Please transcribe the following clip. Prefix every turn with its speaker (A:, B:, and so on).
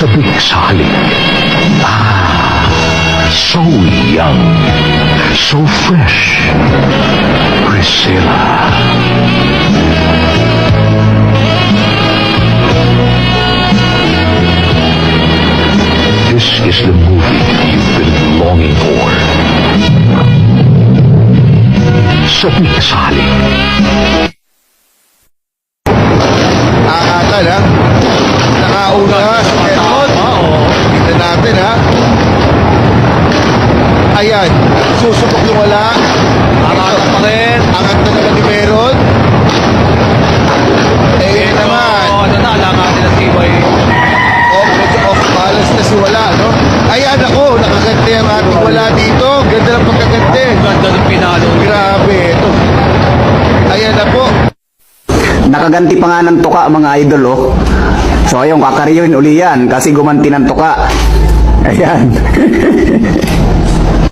A: Sabik sa halik. So young. So fresh. Priscilla. This is the movie you've been longing for. Sabik sa halik.
B: Nakakatan ha? Nakauna ha? Kita natin ha? Ayan, susubok yung wala. Angat pa rin. Angat na naman ni Meron. Eh naman.
C: Ano na, alangan nila si Boy.
B: Medyo off balance na si wala, no? Ayan ako, nakaganda yung ating wala dito. Ganda ng pagkaganda.
C: Ganda ng pinalo.
B: Grabe, ito. Ayan na po.
D: Nakaganti pa nga ng tuka mga idol oh. So ayun, kakaryoin uli yan kasi gumanti ng tuka. Ayan.